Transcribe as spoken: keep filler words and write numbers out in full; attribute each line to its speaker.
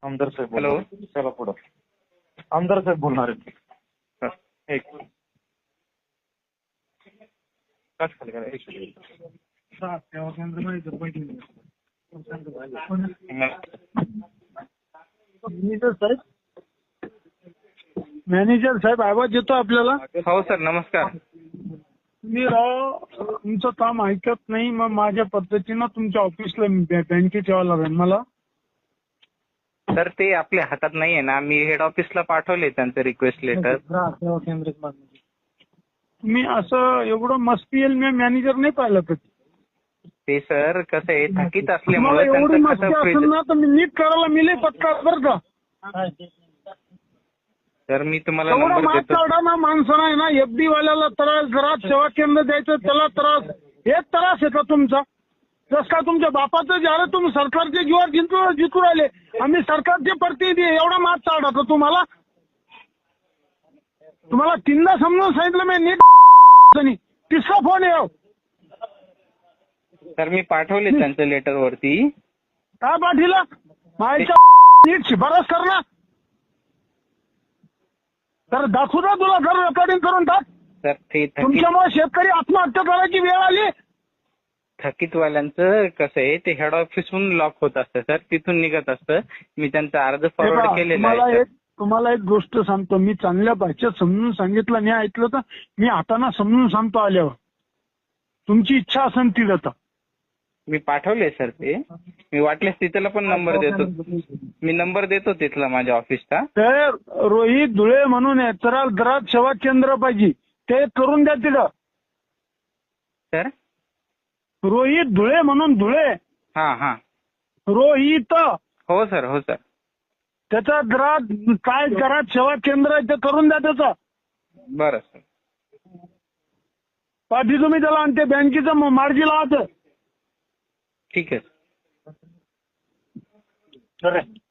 Speaker 1: आमदार साहेब
Speaker 2: हॅलो.
Speaker 1: बोलणार आहेत. चला पुढं. आमदार साहेब बोलणार आहेत.
Speaker 2: हा, एक काच खाली करा, एक मिनिट.
Speaker 3: मॅनेजर साहेब मॅनेजर साहेब आवाज येतो आपल्याला?
Speaker 2: हो सर, नमस्कार.
Speaker 3: मी राव तुमचं काम ऐकत नाही, मग माझ्या पद्धतीनं तुमच्या ऑफिसला बँकेत यावं लागेल मला.
Speaker 2: सर ते आपल्या हातात नाहीये ना, मी हेड ऑफिसला पाठवले त्यांचं रिक्वेस्ट लेटर.
Speaker 3: मी असं एवढं मस्ती येईल मी मॅनेजर नाही पाहिलं कधी.
Speaker 2: ते सर कसं आहे, थकीत
Speaker 3: मला
Speaker 2: असल्यामुळे
Speaker 3: एवढी
Speaker 2: त्यांचं
Speaker 3: मस्ती
Speaker 2: कसं
Speaker 3: असेल
Speaker 2: फ्रीज.
Speaker 3: ना तर मी नीट करायला मिले पक्का बरं का.
Speaker 2: सर मी तुम्हाला
Speaker 3: एवढा
Speaker 2: नंबर
Speaker 3: मात
Speaker 2: देतो.
Speaker 3: चावडा ना माणसं नाही ना, एफडी वाल्याला त्रास, घरात सेवा केंद्र द्यायचं त्याला त्रास, एक त्रास आहे का तुमचा? जस का तुमच्या बापाचं ज्याला तुम्ही सरकारचे जीवावर जिंकू जिंकू राहिले, आम्ही सरकारचे प्रतिनिधी आहे, एवढा मात चावडा का तुम्हाला? तुम्हाला तीनदा समजून सांगितलं मी नीट. तिसरा फोन येऊ.
Speaker 2: सर मी पाठवले त्यांचं लेटर वरती.
Speaker 3: काय पाठीला माझ्या नीट शिफारस कर ना. तर दाखवू ना तुला, घर रेकॉर्डिंग करून टाक.
Speaker 2: सर ते थकीत
Speaker 3: तुमच्यामुळे शेतकरी आत्महत्या करायची वेळ आली.
Speaker 2: थकीतवाल्यांचं कसं आहे, ते हेड ऑफिसहून लॉक होत असतं सर, तिथून निघत असतं. मी त्यांचा अर्ज
Speaker 3: हे
Speaker 2: फॉरवर्ड
Speaker 3: पहा,
Speaker 2: केलेला
Speaker 3: तुम्हाला
Speaker 2: आहे.
Speaker 3: एक तुम्हाला एक गोष्ट सांगतो, मी चांगल्या भाषेत समजून सांगितलं नाही ऐकलं तर मी हाताना समजून सांगतो आल्यावर. तुमची इच्छा असेल ती देता.
Speaker 2: मी पाठवले सर ते. मी वाटल्यास तिथला पण नंबर देतो. मी नंबर देतो तिथला माझ्या ऑफिसचा.
Speaker 3: तर रोहित धुळे म्हणून आहे, तर घरात सेवा केंद्र पाहिजे, ते करून द्या तिथं.
Speaker 2: सर
Speaker 3: रोहित धुळे म्हणून, धुळे
Speaker 2: हा हा
Speaker 3: रोहित,
Speaker 2: हो सर, हो सर.
Speaker 3: त्याचा घरात काय घरात सेवा केंद्र आहे ते करून द्या त्याचं.
Speaker 2: बरं सर.
Speaker 3: पाठी तुम्ही त्याला आणि ते बँकेचं मार्गी लावा.
Speaker 2: ठीक आहे.
Speaker 1: खरं आहे.